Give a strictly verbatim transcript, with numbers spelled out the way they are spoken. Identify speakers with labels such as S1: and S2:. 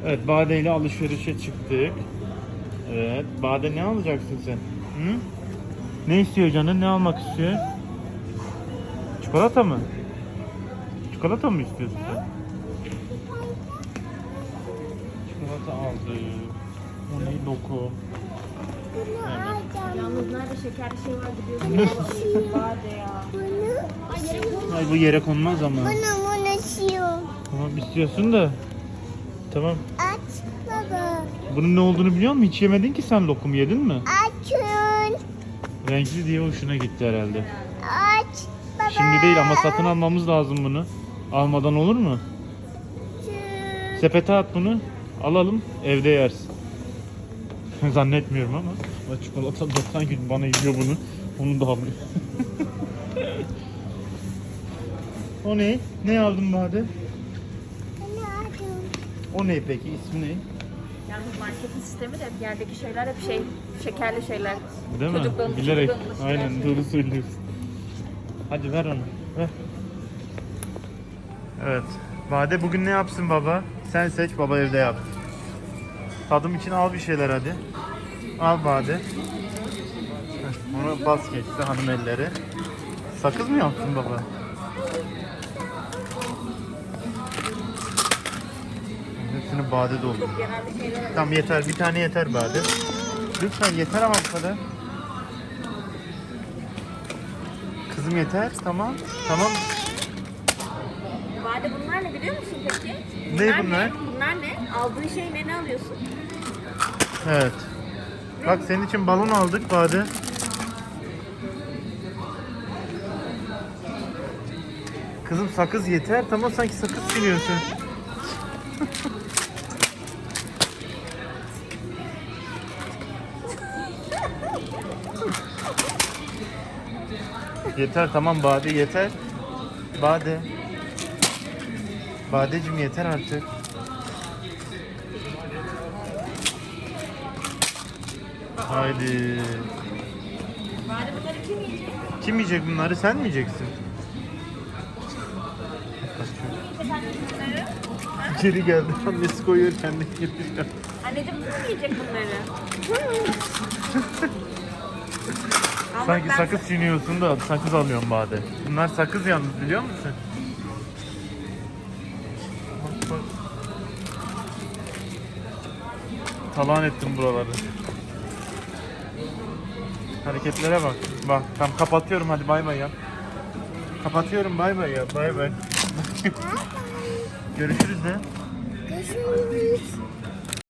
S1: Evet, Bade ile alışverişe çıktık. Evet, Bade ne alacaksın sen? Hı? Ne istiyor canın? Ne almak istiyor? Çikolata mı? Çikolata mı istiyorsun sen? Çikolata aldı. O ne? Lokum. Evet.
S2: Yalnız nerede şekerli şey var gidiyorsun. Bade ya. Ay yere koyma.
S1: Ay bu yere konmaz ama.
S3: Bunu bunu istiyorum.
S1: Tamam istiyorsun da. Tamam.
S3: Aç baba.
S1: Bunun ne olduğunu biliyor musun? Hiç yemedin ki sen lokum yedin mi?
S3: Açın.
S1: Renkli diye hoşuna gitti herhalde.
S3: Aç baba.
S1: Şimdi değil ama satın almamız lazım bunu. Almadan olur mu?
S3: Açın.
S1: Sepete at bunu. Alalım evde yersin. Zannetmiyorum ama. Ama çikolata doksan gün bana yiyor bunu. Onu da alıyor. O ne? Ne aldın Bade?
S3: Bunu aldım.
S1: O ne peki? İsmi ne?
S2: Yalnız marketin sistemi de yerdeki şeyler hep şey, şekerli şeyler.
S1: Değil mi?
S2: Çocukluğumuz,
S1: Bilerek.
S2: çocukluğumuz
S1: Aynen
S2: şeyler.
S1: doğru söylüyorsun. Hadi ver onu. Ver. Evet. Bade bugün ne yapsın baba? Sen seç, baba evde yap. Tadım için al bir şeyler hadi. Al Bade. Heh, Onu bas geçti hanım elleri. Sakız mı yaptın baba? Hepsini Bade doldu.
S2: Genelde şeyler.
S1: Tamam yeter. Bir tane yeter Bade. Lütfen yeter ama bu kadar. Kızım yeter. Tamam. Tamam.
S2: Bade bunlar ne biliyor musun peki?
S1: Ne bunlar?
S2: Ne? Bunlar ne? Aldığın şey ne? Ne alıyorsun?
S1: Evet. Bak senin için balon aldık Bade. Kızım sakız yeter. Tamam sanki sakız çiğniyorsun. Yeter tamam Bade yeter. Bade. Badeciğim yeter artık. Haydi.
S2: Bade bunları kim yiyecek?
S1: Kim yiyecek bunları? Sen mi yiyeceksin?
S2: Bunları.
S1: Geri geldi. Annesi koyuyor kendi getiriyor.
S2: Anneciğim kim yiyecek bunları? Ama
S1: Sanki
S2: ben-
S1: sakız çiğniyorsun da sakız alıyorsun Bade. Bunlar sakız yalnız biliyor musun? Bak bak. Talan ettim buraları. Hareketlere bak. Bak tam kapatıyorum hadi bay bay yap. Kapatıyorum bay bay yap bay bay. Görüşürüz de.
S3: Görüşürüz.